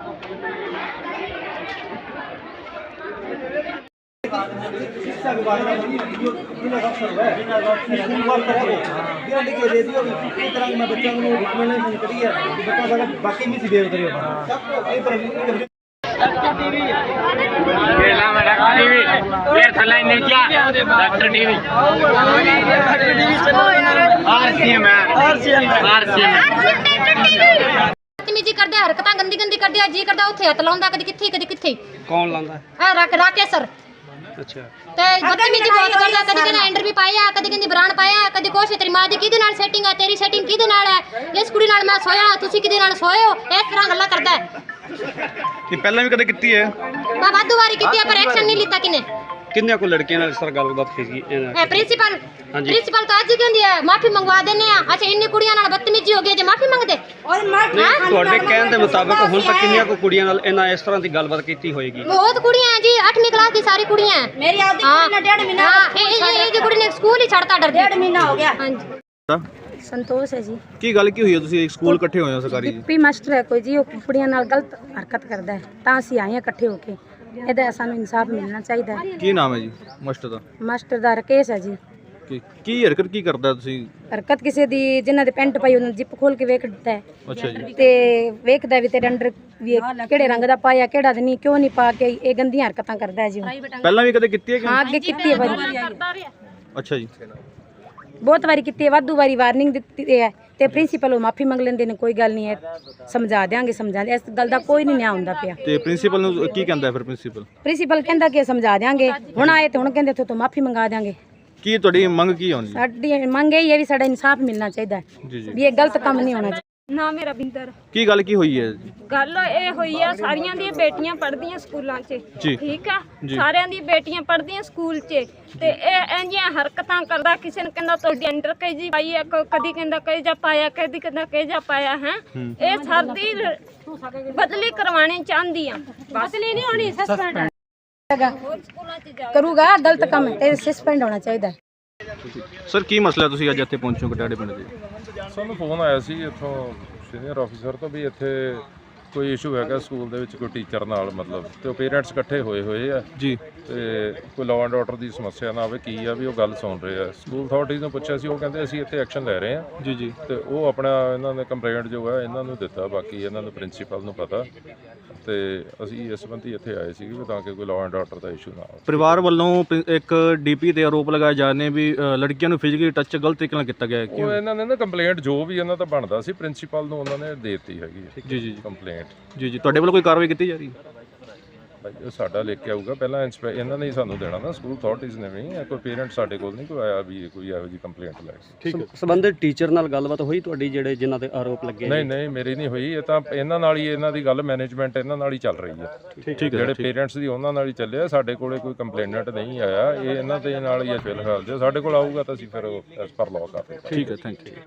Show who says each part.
Speaker 1: शिक्षा विभाग का जिला अफसर है स्कूल वर्क करे गारंटी के दे दियो इस तरह मैं बच्चों को रिकमेंडेशन करी है कि बच्चा अगर बाकी भी बिहेव करियो एक तरह टीवी केला में डॉक्टर टीवी फिर थल्ला नहीं क्या डॉक्टर टीवी आरसीएम
Speaker 2: बदतमीजी करदे हरकतां गंदी गंदी करदे जी करदा उत्थे हत्थ लाउंदा कदी किथे
Speaker 3: कौन लांदा
Speaker 2: राकेश सर
Speaker 3: अच्छा
Speaker 2: ते बदतमीजी बहुत करदा कदी कहना एंडर भी पाया कदी कहंदी ब्रांड पाया कदी कुछ तेरी मां दी किदे नाल सेटिंग है तेरी सेटिंग किदे नाल है इस कुड़ी नाल मैं सोया तुसी किदे नाल सोए हो इस तरह गल्ला करदा है
Speaker 3: ये पहले भी कदे कितनी है
Speaker 2: मैं वादू वारी कीती है पर एक्शन नहीं लीता किने
Speaker 3: किन्ने को लड़कियां नाल इस तरह गलबात कीती
Speaker 2: है प्रिंसिपल तो आज ही कहंदी है माफी मंगवा देने आ अच्छा इन्नी कुड़ियां नाल बदतमीजी हो गई जे माफी मंगदे और
Speaker 3: ਤੁਹਾਡੇ ਕਹਿਣ ਦੇ ਮੁਤਾਬਕ ਹੁਣ ਤੱਕ ਕਿੰਨੀਆਂ ਕੋ ਕੁੜੀਆਂ ਨਾਲ ਇਹਨਾਂ ਇਸ ਤਰ੍ਹਾਂ ਦੀ ਗੱਲਬਾਤ ਕੀਤੀ ਹੋਏਗੀ
Speaker 2: बहुत कुड़ियां हैं जी 8वीं क्लास दी सारी कुड़ियां हैं
Speaker 4: मेरी आधी कुड़ी ने 1.5 महीना
Speaker 2: ये जी कुड़ी ने स्कूल ही छड़ता डर
Speaker 4: 1.5 महीना हो गया।
Speaker 2: हां जी
Speaker 5: संतोष है जी
Speaker 3: ਕੀ ਗੱਲ ਕੀ ਹੋਈ ਹੈ ਤੁਸੀਂ ਸਕੂਲ ਇਕੱਠੇ ਹੋਏ ਹੋ ਸਰਕਾਰੀ ਜੀ
Speaker 5: ਪੀ ਮਾਸਟਰ ਹੈ ਕੋਈ ਜੀ ਉਹ ਕੁੜੀਆਂ ਨਾਲ ਗਲਤ ਹਰਕਤ ਕਰਦਾ ਹੈ ਤਾਂ ਅਸੀਂ ਆਏ ਹਾਂ ਇਕੱਠੇ ਹੋ ਕੇ ਇਹਦਾ ਸਾਨੂੰ ਇਨਸਾਫ ਮਿਲਣਾ ਚਾਹੀਦਾ ਹੈ।
Speaker 3: ਕੀ ਨਾਮ ਹੈ ਜੀ ਮਾਸਟਰ ਦਾ
Speaker 5: ਮਾਸਟਰ ਦਾ ਰਕੇਸ਼ ਹੈ ਜੀ
Speaker 3: ਕੀ ਹਰਕਤ ਕੀ ਕਰਦਾ ਤੁਸੀਂ
Speaker 5: ਹਰਕਤ ਕਿਸੇ ਦੀ ਜਿਨ੍ਹਾਂ ਦੇ ਪੈਂਟ ਪਾਈ ਉਹਨਾਂ ਜਿੱਪ ਖੋਲ ਕੇ ਵੇਖ ਦਿੱਤਾ ਹੈ
Speaker 3: ਅੱਛਾ ਜੀ
Speaker 5: ਤੇ ਵੇਖਦਾ ਵੀ ਤੇਰੇ ਅੰਡਰ ਵੀ ਕਿਹੜੇ ਰੰਗ ਦਾ ਪਾਇਆ ਕਿਹੜਾ ਨਹੀਂ ਕਿਉਂ ਨਹੀਂ ਪਾ ਕੇ ਇਹ ਗੰਦੀਆਂ ਹਰਕਤਾਂ ਕਰਦਾ ਹੈ ਜੀ ਉਹ।
Speaker 3: ਪਹਿਲਾਂ ਵੀ ਕਦੇ ਕੀਤੀ ਹੈ ਕਿ
Speaker 5: ਹਾਂ ਅੱਗੇ ਕੀਤੀ ਹੈ ਵਾਰੀ
Speaker 3: ਅੱਛਾ ਜੀ
Speaker 5: ਬਹੁਤ ਵਾਰੀ ਕੀਤੀ ਹੈ ਵਾਧੂ ਵਾਰੀ ਵਾਰਨਿੰਗ ਦਿੱਤੀ ਹੈ ਤੇ ਪ੍ਰਿੰਸੀਪਲ ਉਹ ਮਾਫੀ ਮੰਗ ਲੈਂਦੇ ਨੇ ਕੋਈ ਗੱਲ ਨਹੀਂ ਹੈ ਸਮਝਾ ਦਿਆਂਗੇ ਇਸ ਗੱਲ ਦਾ ਕੋਈ ਨਹੀਂ ਨਿਆਂ ਹੁੰਦਾ ਪਿਆ
Speaker 3: ਤੇ ਪ੍ਰਿੰਸੀਪਲ ਨੂੰ ਕੀ ਕਹਿੰਦਾ ਫਿਰ
Speaker 5: ਪ੍ਰਿੰਸੀਪਲ ਕਹਿੰਦਾ ਕਿ ਸਮਝਾ ਦਿਆਂਗੇ ਹੁਣ ਆਏ ਤੇ ਹੁਣ ਕਹਿੰਦੇ ਉੱਥੋਂ ਤੋਂ ਮਾਫੀ ਮੰਗਾ ਦਿਆਂਗੇ
Speaker 3: ਕੀ ਤੁਹਾਡੀ ਮੰਗ ਕੀ ਹੋਣੀ
Speaker 5: ਸਾਡੀ ਮੰਗ ਇਹ ਹੈ ਵੀ ਸਾਡਾ ਇਨਸਾਫ ਮਿਲਣਾ ਚਾਹੀਦਾ ਹੈ
Speaker 3: ਜੀ ਜੀ
Speaker 5: ਵੀ ਇਹ ਗਲਤ ਕੰਮ ਨਹੀਂ ਹੋਣਾ ਚਾਹੀਦਾ।
Speaker 6: ਨਾ ਮੇਰਾ ਬਿੰਦਰ
Speaker 3: ਕੀ ਗੱਲ ਕੀ ਹੋਈ ਹੈ ਜੀ
Speaker 6: ਗੱਲ ਇਹ ਹੋਈ ਆ ਸਾਰੀਆਂ ਦੀਆਂ ਬੇਟੀਆਂ ਪੜ੍ਹਦੀਆਂ ਸਕੂਲਾਂ 'ਚ
Speaker 3: ਜੀ।
Speaker 6: ਠੀਕ ਆ ਸਾਰਿਆਂ ਦੀ ਬੇਟੀਆਂ ਪੜ੍ਹਦੀਆਂ ਸਕੂਲ 'ਚ ਤੇ ਇਹ ਇੰਜੀਆਂ ਹਰਕਤਾਂ ਕਰਦਾ ਕਿਸੇ ਨੇ ਕਹਿੰਦਾ ਤੁਹਾਡੀ ਅੰਡਰ ਕੇਜੀ ਪਾਈ ਆ ਕਦੀ ਕਹਿੰਦਾ ਕੇਜਾ ਪਾਇਆ ਕਦੀ ਕਹਿੰਦਾ ਕੇਜਾ ਪਾਇਆ ਹੈ ਇਹ ਸਰਦੀ ਬਦਲੀ ਕਰਵਾਉਣੀ ਚਾਹੁੰਦੀ ਆ ਬਦਲੀ ਨਹੀਂ ਹੋਣੀ ਸਸਪੈਂਡ
Speaker 5: ਕਰੂਗਾ ਗਲਤ ਕੰਮ ਤੇ ਸਸਪੈਂਡ ਹੋਣਾ ਚਾਹੀਦਾ।
Speaker 3: ਸਰ ਕੀ ਮਸਲਾ ਤੁਸੀਂ ਅੱਜ ਇੱਥੇ ਪਹੁੰਚੋ ਕਟਾੜੇ ਪਿੰਡ ਦੇ
Speaker 7: ਸਾਨੂੰ ਫੋਨ ਆਇਆ ਸੀ ਇੱਥੋਂ ਸੀਨੀਅਰ ਆਫੀਸਰ ਤੋਂ ਵੀ ਇੱਥੇ ਕੋਈ ਇਸ਼ੂ ਹੈਗਾ ਸਕੂਲ ਦੇ ਵਿੱਚ ਕੋਈ ਟੀਚਰ ਨਾਲ ਮਤਲਬ ਤੇ ਉਹ ਪੇਰੈਂਟਸ ਇਕੱਠੇ ਹੋਏ ਆ
Speaker 3: ਜੀ
Speaker 7: ਤੇ ਕੋਈ ਲਾਅ ਐਂਡ ਆਰਡਰ ਦੀ ਸਮੱਸਿਆ ਨਾ ਆਵੇ ਕੀ ਆ ਵੀ ਉਹ ਗੱਲ ਸੁਣ ਰਹੇ ਆ ਸਕੂਲ ਅਥਾਰਟੀਜ਼ ਨੂੰ ਪੁੱਛਿਆ ਸੀ ਉਹ ਕਹਿੰਦੇ ਅਸੀਂ ਇੱਥੇ ਐਕਸ਼ਨ ਲੈ ਰਹੇ ਆ
Speaker 3: ਜੀ ਜੀ
Speaker 7: ਤੇ ਉਹ ਆਪਣਾ ਇਹਨਾਂ ਨੇ ਕੰਪਲੇਂਟ ਜੋ ਹੈ ਇਹਨਾਂ ਨੂੰ ਦਿੱਤਾ ਬਾਕੀ ਇਹਨਾਂ ਨੂੰ ਪ੍ਰਿੰਸੀਪਲ ਨੂੰ ਪਤਾ ਤੇ ਅਸੀਂ ਇਸ ਸੰਬੰਧੀ ਇੱਥੇ ਆਏ ਸੀ ਵੀ ਤਾਂ ਕਿ ਕੋਈ ਲਾਅ ਐਂਡ ਆਰਡਰ ਦਾ ਇਸ਼ੂ ਨਾ ਆਵੇ।
Speaker 3: ਪਰਿਵਾਰ ਵੱਲੋਂ ਇੱਕ ਡੀਪੀ ਤੇ ਆਰੋਪ ਲਗਾਏ ਜਾ ਰਹੇ ਨੇ ਵੀ ਲੜਕੀਆਂ ਨੂੰ ਫਿਜ਼ੀਕਲੀ ਟੱਚ ਗਲਤ ਤਰੀਕੇ ਨਾਲ ਕੀਤਾ ਗਿਆ ਹੈ
Speaker 7: ਉਹ ਇਹਨਾਂ ਨੇ ਨਾ ਕੰਪਲੇਂਟ ਜੋ ਵੀ ਇਹਨਾਂ ਦਾ ਬਣਦਾ ਸੀ ਪ੍ਰਿੰਸੀਪਲ ਨੂੰ ਉਹਨਾਂ ਨੇ ਦੇ ਦਿੱਤੀ ਹੈਗੀ
Speaker 3: ਜੀ ਜੀ
Speaker 7: ਕੰਪਲੇਂਟ
Speaker 3: ਜੀ ਜੀ ਤੁਹਾਡੇ ਵੱਲੋਂ ਕੋਈ ਕਾਰਵਾਈ ਕੀਤੀ ਜਾ ਰਹੀ ਹੈ
Speaker 7: ਉਹ ਸਾਡਾ ਲਿਖ ਕੇ ਆਊਗਾ ਪਹਿਲਾਂ ਇਹਨਾਂ ਨੇ ਹੀ ਸਾਨੂੰ ਦੇਣਾ ਨਾ ਸਕੂਲ ਅਥਾਰਟੀਜ਼ ਨੇ ਵੀ ਕੋਈ ਪੇਰੈਂਟ ਸਾਡੇ ਕੋਲ ਨਹੀਂ ਕੋਈ ਆਇਆ ਵੀ ਕੋਈ ਇਹੋ ਜਿਹੀ ਕੰਪਲੇਂਟ ਲੈ
Speaker 3: ਠੀਕ ਹੈ
Speaker 8: ਸੰਬੰਧਿਤ ਟੀਚਰ ਨਾਲ ਗੱਲਬਾਤ ਹੋਈ ਤੁਹਾਡੀ ਜਿਹੜੇ ਜਿਨ੍ਹਾਂ ਤੇ ਆਰੋਪ ਲੱਗੇ
Speaker 7: ਨਹੀਂ ਮੇਰੀ ਨਹੀਂ ਹੋਈ ਇਹ ਤਾਂ ਇਹਨਾਂ ਨਾਲ ਹੀ ਇਹਨਾਂ ਦੀ ਗੱਲ ਮੈਨੇਜਮੈਂਟ ਇਹਨਾਂ ਨਾਲ ਹੀ ਚੱਲ ਰਹੀ ਹੈ
Speaker 3: ਠੀਕ ਹੈ
Speaker 7: ਜਿਹੜੇ ਪੇਰੈਂਟਸ ਦੀ ਉਹਨਾਂ ਨਾਲ ਹੀ ਚੱਲਿਆ ਸਾਡੇ ਕੋਲੇ ਕੋਈ ਕੰਪਲੇਨੈਂਟ ਨਹੀਂ ਆਇਆ ਇਹ ਇਹਨਾਂ ਦੇ ਨਾਲ ਹੀ ਹੈ ਫਿਲਹਾਲ ਜੇ ਸਾਡੇ ਕੋਲ ਆਊਗਾ ਤਾਂ ਅਸੀਂ ਫਿਰ ਐਸ ਪਰ ਲਾਅ ਕਰ ਰਹੇ
Speaker 3: ਠੀਕ ਹੈ ਥੈਂਕ ਯੂ